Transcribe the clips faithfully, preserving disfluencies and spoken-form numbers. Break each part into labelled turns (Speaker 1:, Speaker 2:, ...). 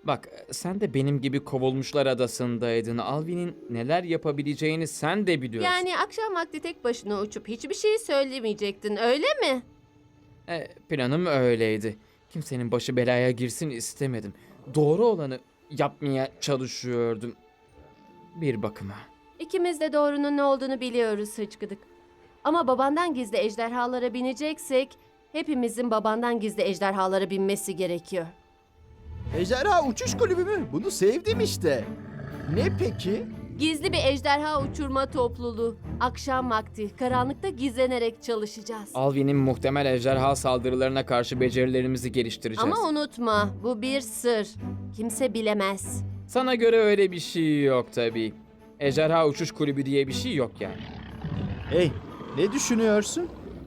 Speaker 1: Bak, sen de benim gibi kovulmuşlar adasındaydın. Alvin'in neler yapabileceğini sen de biliyorsun.
Speaker 2: Yani akşam vakti tek başına uçup hiçbir şey söylemeyecektin, öyle mi?
Speaker 1: E, planım öyleydi. Kimsenin başı belaya girsin istemedim. Doğru olanı yapmaya çalışıyordum. Bir bakıma.
Speaker 2: İkimiz de doğrunun ne olduğunu biliyoruz Hıçkıdık. Ama babandan gizli ejderhalara bineceksek, hepimizin babandan gizli ejderhalara binmesi gerekiyor.
Speaker 3: Ejderha uçuş kulübü mü? Bunu sevdim işte. Ne peki?
Speaker 2: Gizli bir ejderha uçurma topluluğu. Akşam vakti karanlıkta gizlenerek çalışacağız.
Speaker 1: Alvin'in muhtemel ejderha saldırılarına karşı becerilerimizi geliştireceğiz.
Speaker 2: Ama unutma, bu bir sır. Kimse bilemez.
Speaker 1: Sana göre öyle bir şey yok tabii. Ejderha uçuş kulübü diye bir şey yok yani.
Speaker 3: Hey, ne düşünüyorsun?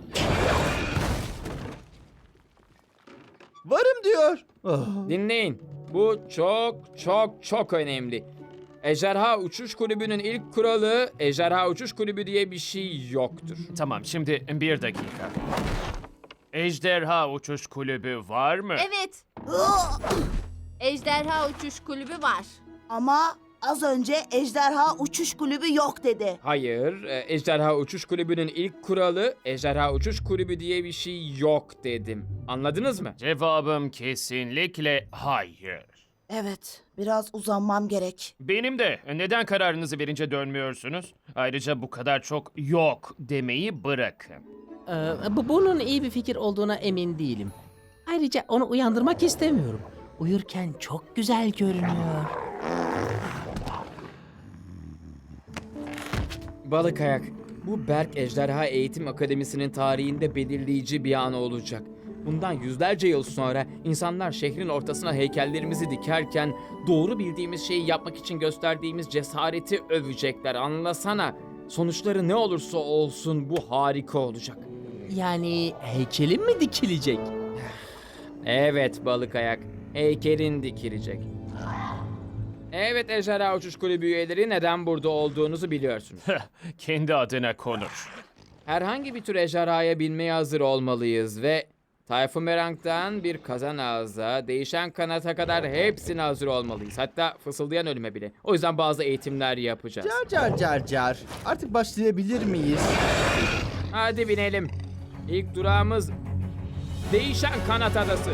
Speaker 3: Varım diyor. Oh.
Speaker 1: Dinleyin. Bu çok çok çok önemli. Ejderha Uçuş Kulübü'nün ilk kuralı Ejderha Uçuş Kulübü diye bir şey yoktur.
Speaker 4: Tamam, şimdi bir dakika. Ejderha Uçuş Kulübü var mı?
Speaker 2: Evet, ejderha uçuş kulübü var.
Speaker 5: Ama az önce ejderha uçuş kulübü yok dedi.
Speaker 1: Hayır, e, Ejderha Uçuş Kulübü'nün ilk kuralı Ejderha Uçuş Kulübü diye bir şey yok dedim. Anladınız mı?
Speaker 4: Cevabım kesinlikle hayır.
Speaker 5: Evet, biraz uzanmam gerek.
Speaker 4: Benim de. Neden kararınızı verince dönmüyorsunuz? Ayrıca bu kadar çok yok demeyi bırakın.
Speaker 6: Ee, bu bunun iyi bir fikir olduğuna emin değilim. Ayrıca onu uyandırmak istemiyorum. Uyurken çok güzel görünüyor.
Speaker 1: Balık Ayak, bu Berk Ejderha Eğitim Akademisi'nin tarihinde belirleyici bir an olacak. Bundan yüzlerce yıl sonra insanlar şehrin ortasına heykellerimizi dikerken doğru bildiğimiz şeyi yapmak için gösterdiğimiz cesareti övecekler. Anlasana. Sonuçları ne olursa olsun bu harika olacak.
Speaker 6: Yani heykelim mi dikilecek?
Speaker 1: Evet Balık Ayak, heykelin dikilecek. Evet Ejderha Uçuş Kulübü üyeleri, neden burada olduğunuzu biliyorsunuz.
Speaker 4: Kendi adına konuş.
Speaker 1: Herhangi bir tür ejderhaya binmeye hazır olmalıyız ve Tayfun Merang'dan bir kazan ağza, değişen kanata kadar hepsine hazır olmalıyız. Hatta fısıldayan ölüme bile. O yüzden bazı eğitimler yapacağız.
Speaker 3: Car car car car. Artık başlayabilir miyiz?
Speaker 1: Hadi binelim. İlk durağımız Değişen Kanat Adası.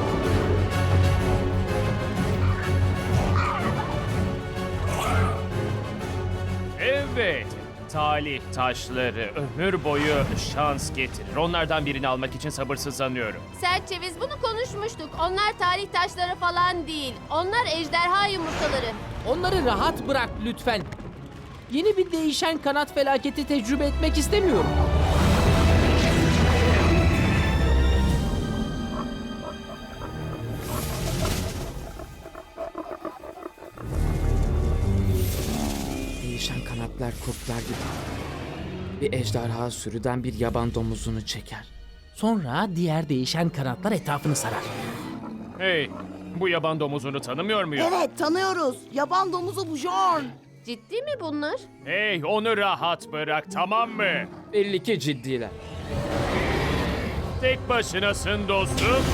Speaker 4: Evet. Talih taşları ömür boyu şans getirir. Onlardan birini almak için sabırsızlanıyorum.
Speaker 2: Serçeviz, bunu konuşmuştuk. Onlar tarih taşları falan değil. Onlar ejderha yumurtaları.
Speaker 6: Onları rahat bırak lütfen. Yeni bir değişen kanat felaketi tecrübe etmek istemiyorum.
Speaker 1: Değişen kanatlar kurtlar gibi. Bir ejderha sürüden bir yaban domuzunu çeker.
Speaker 6: Sonra diğer değişen kanatlar etrafını sarar.
Speaker 4: Hey, bu yaban domuzunu tanımıyor muyum?
Speaker 5: Evet, tanıyoruz. Yaban domuzu bu Jorn.
Speaker 2: Ciddi mi bunlar?
Speaker 4: Hey, onu rahat bırak, tamam mı?
Speaker 1: Belli ki ciddiler.
Speaker 4: Tek başınasın dostum.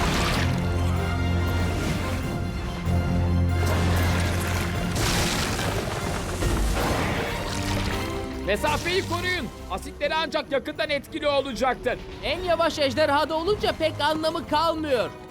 Speaker 1: Mesafeyi koruyun. Asitleri ancak yakından etkili olacaktır.
Speaker 6: En yavaş ejderhada olunca pek anlamı kalmıyor.